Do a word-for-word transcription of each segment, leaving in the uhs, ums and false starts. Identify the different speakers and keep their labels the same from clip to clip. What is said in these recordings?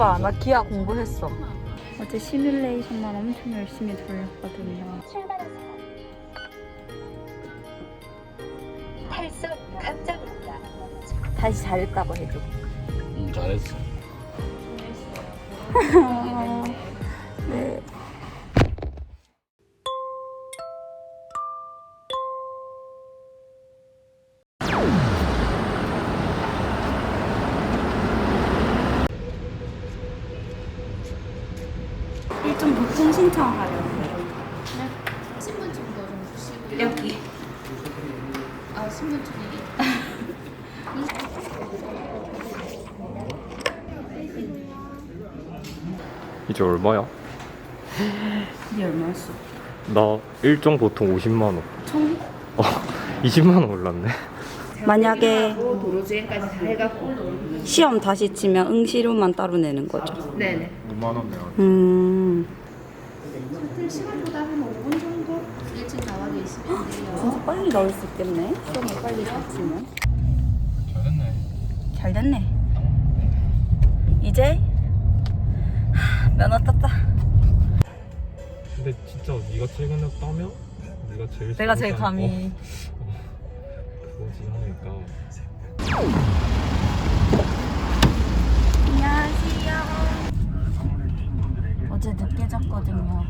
Speaker 1: 이것 봐, 나 기아 공부했어.
Speaker 2: 어제 시뮬레이션만 엄청 열심히 돌렸거든요.
Speaker 3: 출발하세요. 탈수 감정입니다.
Speaker 1: 다시 잘했다고 해줘.
Speaker 4: 응, 잘했어.
Speaker 1: 네.
Speaker 2: 일종 보통 신청하려고요.
Speaker 5: 신분증도 좀 주시고
Speaker 2: 여기.
Speaker 5: 아 신분증이
Speaker 6: 이제 얼마야?
Speaker 2: 이게 얼마였어?
Speaker 6: 나 일종 보통 오십만 원.
Speaker 2: 총?
Speaker 6: 어, 이십만 원 올랐네.
Speaker 2: 만약에
Speaker 5: 도로주행까지 다 해갖고
Speaker 2: 시험 다시 치면 응시료만 따로 내는 거죠?
Speaker 5: 네네
Speaker 4: 오만 원 내야
Speaker 2: 음.
Speaker 5: 셔틀 시간보다 한 오 분 정도 일찍 나와 계시면 돼요.
Speaker 2: 진짜 빨리 나올 수 있겠네. 시험을 빨리 잘 치면.
Speaker 4: 잘했네.
Speaker 2: 잘 됐네. 이제 하, 면허 땄다.
Speaker 6: 근데 진짜 네가 최근에 따면 네가 제일
Speaker 1: 내가 제일
Speaker 6: 잘하잖아.
Speaker 1: 감히.
Speaker 6: 어, 그거지 하니까.
Speaker 2: 안녕하세요. 어제 늦게 잤거든요.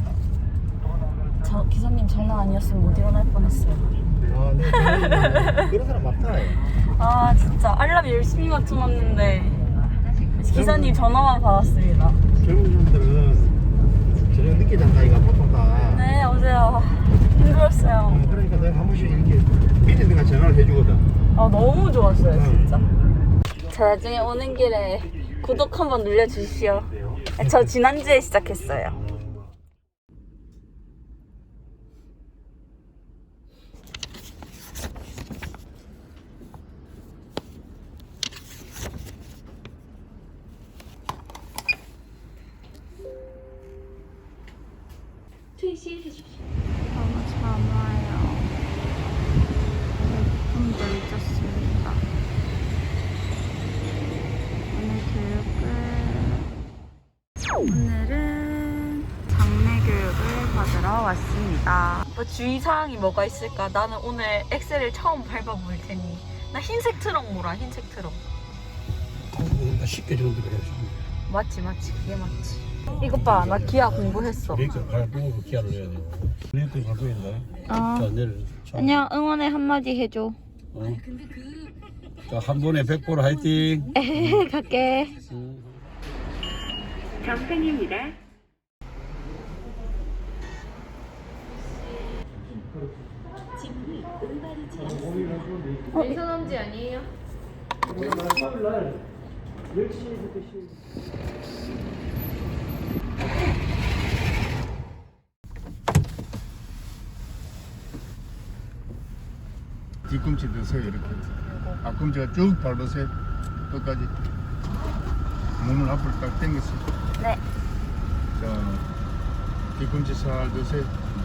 Speaker 2: 저 기사님 전화 아니었으면 못 일어날 뻔했어요.
Speaker 4: 아, 네. 그런 사람 많다.
Speaker 1: 아 진짜 알람 열심히 맞춰놨는데 기사님 전화만 받았습니다.
Speaker 4: 젊은 사람들은 저녁 늦게 잔다 이가 보통 다.
Speaker 1: 네 어제 아, 힘들었어요.
Speaker 4: 그러니까 내가 한 번씩 이렇게 미리 내가 전화를 해주거든.
Speaker 1: 아 너무 좋았어요 진짜. 저 나중에 오는 길에 구독 한번 눌러주시오. 저 지난주에 시작했어요.
Speaker 2: 너무 잠와요. 좀 늦었습니다. 오늘 교육을 오늘은 장례 교육을 받으러 왔습니다.
Speaker 1: 뭐 주의사항이 뭐가 있을까? 나는 오늘 엑셀을 처음 밟아볼 테니 나 흰색 트럭 몰아 흰색 트럭.
Speaker 4: 쉽게 정도 해야지.
Speaker 1: 맞지 맞지 그게 맞지. 이것 봐, 나 기아 공부했어.
Speaker 4: 브레이크 발 보고 기아를 해야 돼. 브레이크 밟고 있나?
Speaker 2: 어.
Speaker 4: 자, 내려. 자,
Speaker 2: 안녕, 응원의 한마디 해줘.
Speaker 4: 어. 자, 한 번에 백 볼 화이팅.
Speaker 2: 에헤헤, 갈게.
Speaker 4: 응.
Speaker 2: 정상입니다.
Speaker 5: 민선엄지 아니에요?
Speaker 4: 뒤꿈치 드세요 이렇게. 앞꿈치가 쭉 밟으세요. 끝까지. 몸을 앞으로 딱 당겼어요.
Speaker 2: 네.
Speaker 4: 자, 뒤꿈치 살 드세요.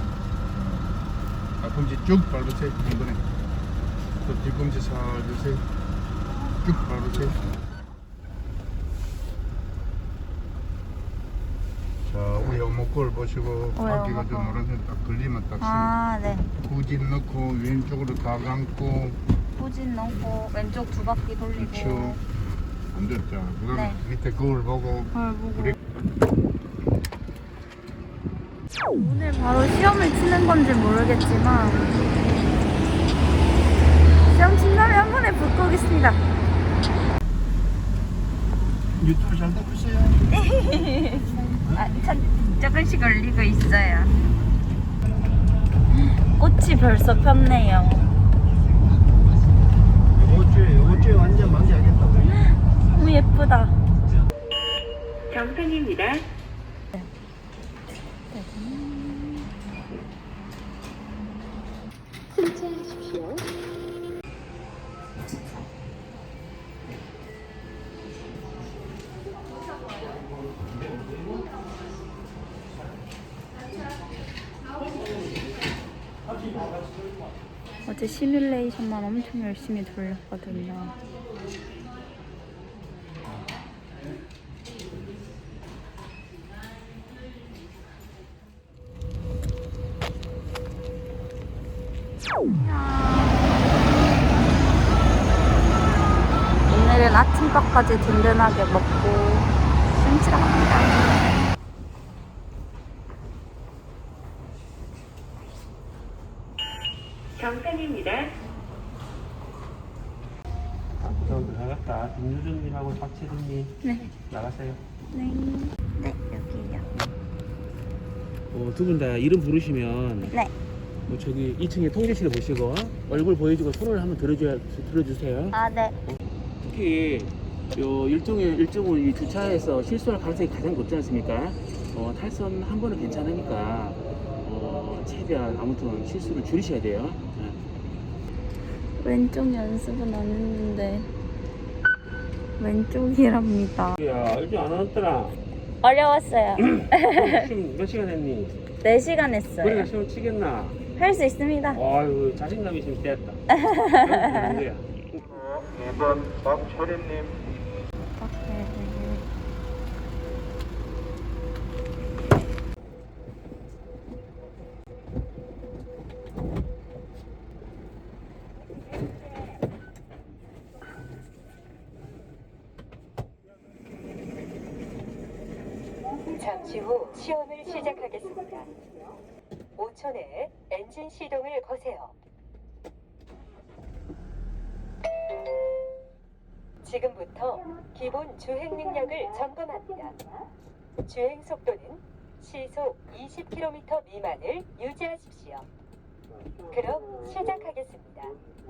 Speaker 4: 자, 앞꿈치 쭉 밟으세요. 이번에. 또 뒤꿈치 살 드세요. 쭉 밟으세요. 자, 우리 어목골 보시고 바퀴가 좀 노란색 딱 걸리면 딱
Speaker 2: 아, 네.
Speaker 4: 후진 넣고 왼쪽으로 다 감고.
Speaker 2: 후진 넣고 왼쪽 두 바퀴 돌리고.
Speaker 4: 그렇죠. 안 됐죠. 그다음
Speaker 2: 네.
Speaker 4: 밑에 거울 보고.
Speaker 2: 걸 보고.
Speaker 4: 브레이크.
Speaker 2: 오늘 바로 시험을 치는 건지 모르겠지만 시험 친다면 한 번에 붙고 오겠습니다.
Speaker 4: 유튜브 잘 되고 있어요.
Speaker 2: 아, 참 조금씩 걸리고 있어요. 꽃이 벌써 폈네요.
Speaker 4: 이번 주에 이번 주에 완전 만개하겠다고.
Speaker 2: 너무 예쁘다.
Speaker 3: 정상입니다. 승차하십시오.
Speaker 2: 어제 시뮬레이션만 엄청 열심히 돌렸거든요.
Speaker 1: 오늘은 아침밥까지 든든하게 먹고 숨쉬러 갑니다.
Speaker 3: 정상입니다.
Speaker 7: 저 나갔다. 김유준님하고 박채준님
Speaker 1: 네.
Speaker 7: 나가세요.
Speaker 1: 네. 네, 여기요.
Speaker 7: 어, 두 분 다 이름 부르시면
Speaker 1: 네.
Speaker 7: 뭐 저기 이 층에 통제실을 보시고 얼굴 보여주고 손을 한번 들어줘야, 들어주세요.
Speaker 1: 아, 네.
Speaker 7: 특히 요 일종의 일종은 이 주차에서 실수할 가능성이 가장 높지 않습니까? 어, 탈선 한 번은 괜찮으니까 어, 최대한 아무튼 실수를 줄이셔야 돼요. 네.
Speaker 1: 왼쪽 연습은 안 했는데 왼쪽이랍니다.
Speaker 7: 야, 일찍 안 왔더라.
Speaker 1: 어려웠어요.
Speaker 7: 지금 몇 시간 했니?
Speaker 1: 네 시간
Speaker 7: 그래가
Speaker 1: 했어요.
Speaker 7: 시험 치겠나?
Speaker 1: 할 수 있습니다.
Speaker 7: 아유, 자신감이 있으면 됐다. 그럼 되는 거야.
Speaker 4: 이 번 박철임님.
Speaker 3: 잠시 후 시험을 시작하겠습니다. 오 초 내에 엔진 시동을 거세요. 지금부터 기본 주행 능력을 점검합니다. 주행 속도는 시속 이십 킬로미터 미만을 유지하십시오. 그럼 시작하겠습니다.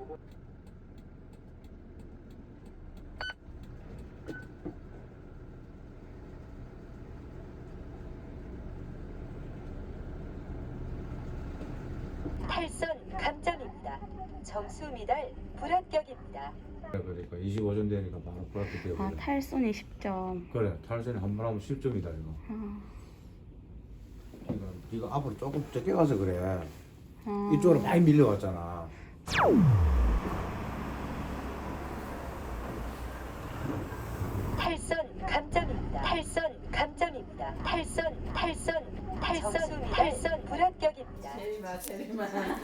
Speaker 3: 탈선 감점입니다. 점수 미달 불합격입니다.
Speaker 8: 그러니까 이십오 점 되니까 바로 불합격 되고.
Speaker 1: 아, 탈선이 십 점.
Speaker 8: 그래 탈선이 한 번 하면 십 점이다 이거.
Speaker 1: 아,
Speaker 8: 그러니까 네가 앞으로 조금 적게 가서 그래.
Speaker 1: 아.
Speaker 8: 이쪽으로 많이 밀려왔잖아.
Speaker 3: 탈선 감점입니다. 탈선 감점입니다. 탈선 탈선 탈선 탈선 불합격입니다.
Speaker 9: 제리마 제리마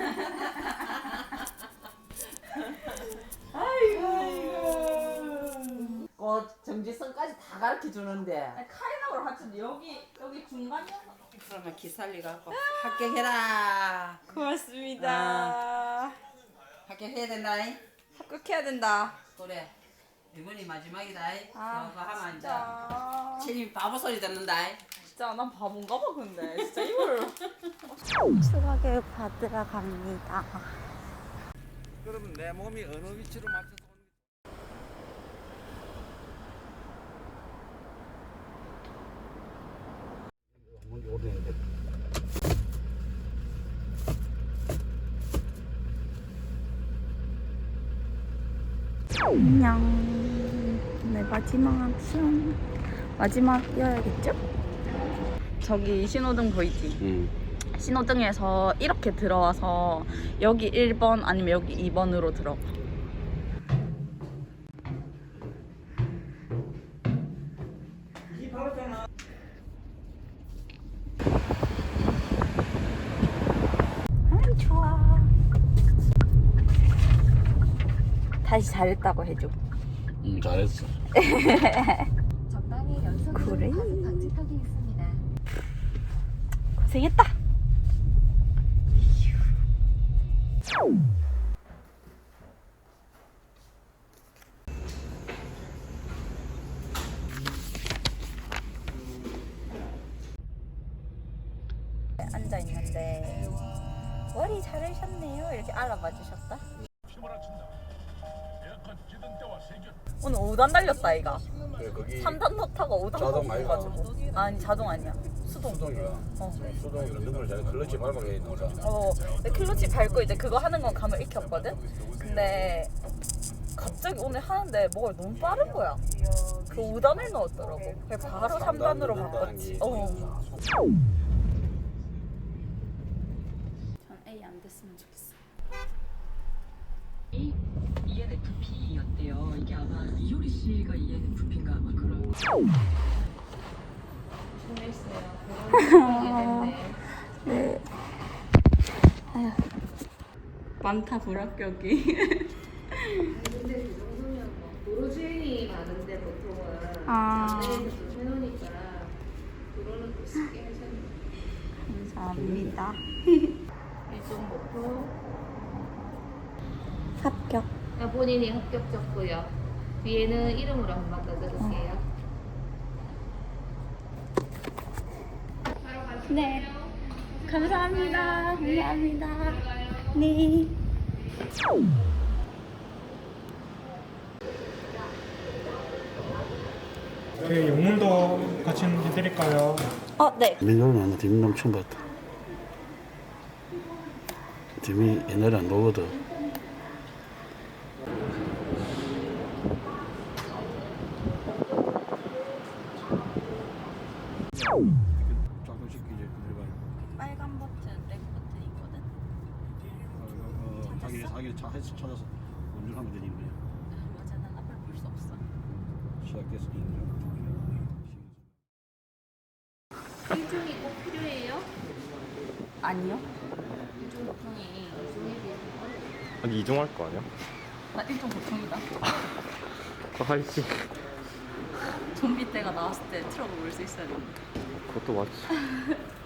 Speaker 9: 아이고 꽃 정지선까지 다 가르쳐 주는데
Speaker 2: 카이나로 하여튼 여기 여기 중간이야.
Speaker 9: 그러면 기살리 갖고 합격해라.
Speaker 2: 고맙습니다.
Speaker 9: 합격해야 된다잉.
Speaker 2: 합격해야 된다.
Speaker 9: 그래 이번이 마지막이다잉.
Speaker 2: 아,
Speaker 9: 그거 하면 이제
Speaker 2: 진짜.
Speaker 9: 체리 바보 소리 듣는다잉.
Speaker 2: 진짜 난 바본가 봐 근데 진짜 이걸.
Speaker 1: 추가 교육 받으러 갑니다.
Speaker 8: 그러면 내 몸이 어느 위치로 맞춰서
Speaker 1: 안녕. 네, 마지막 시험. 마지막이어야겠죠? 저기 신호등 보이지?
Speaker 7: 응.
Speaker 1: 신호등에서 이렇게 들어와서 여기 일 번 아니면 여기 이 번으로 들어가. 아, 좋아. 다시 잘했다고 해줘.
Speaker 8: 응 잘했어.
Speaker 3: 전방에 연속으로
Speaker 1: 그래?
Speaker 3: 과속 방지턱이 있습니다.
Speaker 1: 고생했다. 앉아 있는데 머리 자르셨네요 이렇게 알아봐 주셨다. 오늘 오 단 달렸다 아이가.
Speaker 8: 그래 거기
Speaker 1: 삼 단 넣다가 오 단
Speaker 8: 자동 아이가?
Speaker 1: 가지고 아니 자동 아니야 수동.
Speaker 8: 수동이야.
Speaker 1: 어.
Speaker 8: 수동이 능을 잘 클러치 밟아야 되니까.
Speaker 1: 어, 근데 클러치 밟고 이제 그거 하는 건 감을 익혔거든? 근데 갑자기 오늘 하는데 뭐가 너무 빠른 거야. 그 오 단을 넣었더라고. 그래서 바로 삼 단으로 바꿨지. 어. 전 A 안 됐으면 좋겠어.
Speaker 10: 이엔에프피였대요. 이게 아마 이효리 씨가 이엔에프피인가 아마 그런.
Speaker 1: 네. 아휴.
Speaker 2: 많다 불합격이.
Speaker 5: 근데 그 정도면 뭐 도로주행이 많은데 보통은
Speaker 2: 아.
Speaker 5: 안내에서 좀 해놓으니까 도로는 또 쉽게 해주는
Speaker 2: 감사합니다.
Speaker 5: 일종 목표
Speaker 2: 합격.
Speaker 5: 아, 본인이 합격 적고요. 뒤에는 이름으로 한 번 더 적을게요. 바로 가실게요.
Speaker 2: 네. 감사합니다. 감사합니다. 네.
Speaker 4: 그 용문도 같이 해드릴까요?
Speaker 2: 어, 네.
Speaker 8: 민호는 안 dim이 너무 처음 봤다. dim이 옛날에 안 나오거든. 조금씩 이제 들어가요.
Speaker 2: 빨간 버튼, 렉 버튼 있거든.
Speaker 8: 어, 자기 자기 차 해서 찾아서 운전하면 되니 그냥.
Speaker 2: 맞아, 난 앞을 볼 수 없어.
Speaker 8: 시작해서
Speaker 5: 일종이 꼭 필요해요?
Speaker 2: 아니요.
Speaker 5: 일종 보통이 일종에 비해서
Speaker 6: 아니 이중할 거 아니야?
Speaker 2: 나 일종 보통이다.
Speaker 6: 하이지.
Speaker 2: 좀비 때가 나왔을 때 트럭을 몰 수 있어야 돼.
Speaker 6: 그것도 맞지.